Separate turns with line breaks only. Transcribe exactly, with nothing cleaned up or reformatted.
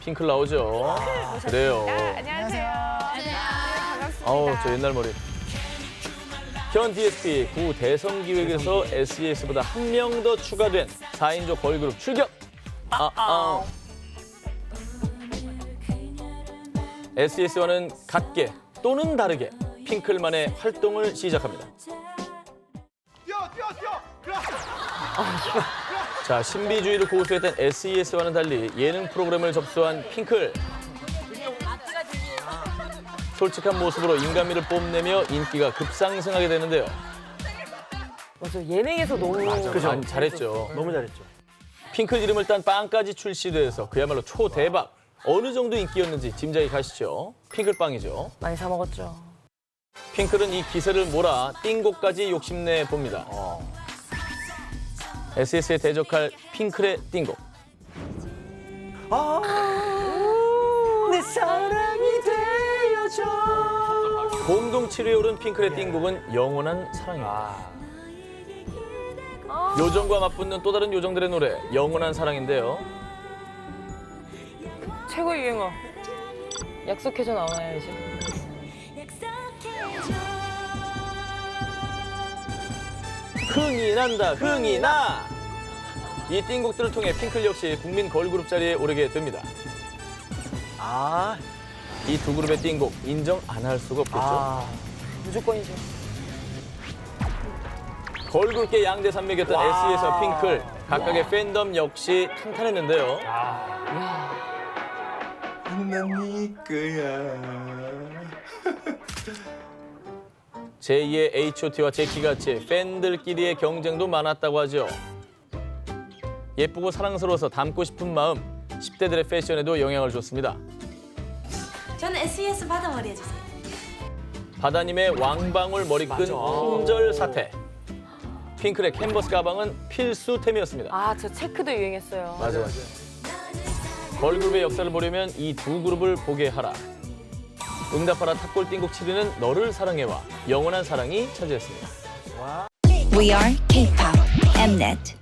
핑클 나오죠. 그래요.
안녕하세요. 반갑습니다.
아우, 저 옛날 머리. 현 디에스피 구 대선 기획에서 에스이에스보다 한 명 더 추가된 사 인조 걸그룹 출격. 아, 아. 에스이에스와는 같게 또는 다르게 핑클만의 활동을 시작합니다.
뛰어 뛰어 뛰어. 그래.
자, 신비주의를 고수했던 에스이에스와는 달리 예능 프로그램을 접수한 핑클. 솔직한 모습으로 인간미를 뽐내며 인기가 급상승하게 되는데요.
맞아, 예능에서 너무
그죠? 아니, 잘했죠.
너무 잘했죠.
핑클 이름을 딴 빵까지 출시돼서 그야말로 초대박. 어느 정도 인기였는지 짐작이 가시죠? 핑클빵이죠.
많이 사 먹었죠.
핑클은 이 기세를 몰아 띵곡까지 욕심내 봅니다. 에스이에스에 대적할 핑클의 띵곡.
내 사랑이 되어줘.
공동 칠 위에 오른 핑클의 띵곡은 영원한 사랑입니다. 요정과 맞붙는 또 다른 요정들의 노래 영원한 사랑인데요.
최고 유행어. 약속해줘 나오나요, 이제?
흥이 난다, 흥이 나! 이 띵곡들을 통해 핑클 역시 국민 걸그룹 자리에 오르게 됩니다.
아,
이 두 그룹의 띵곡 인정 안 할 수가 없겠죠.
아.
무조건이죠.
걸그룹계 양대 산맥이었던 에스이에스와 핑클, 각각의 팬덤 역시 탄탄했는데요.
난네 거야.
제이의 에이치 오 티와 제키같이 팬들끼리의 경쟁도 많았다고 하죠. 예쁘고 사랑스러워서 닮고 싶은 마음, 십 대들의 패션에도 영향을 줬습니다.
저는 에스이에스 바다머리 해주세요.
바다님의 왕방울 머리끈 품절 사태. 핑클의 캔버스 가방은 필수템이었습니다.
아, 저 체크도 유행했어요.
맞아, 맞아. 걸그룹의 역사를 보려면 이 두 그룹을 보게 하라. 응답하라 탑골 띵곡 칠 위는 너를 사랑해와 영원한 사랑이 차지했습니다.
We are K-pop Mnet.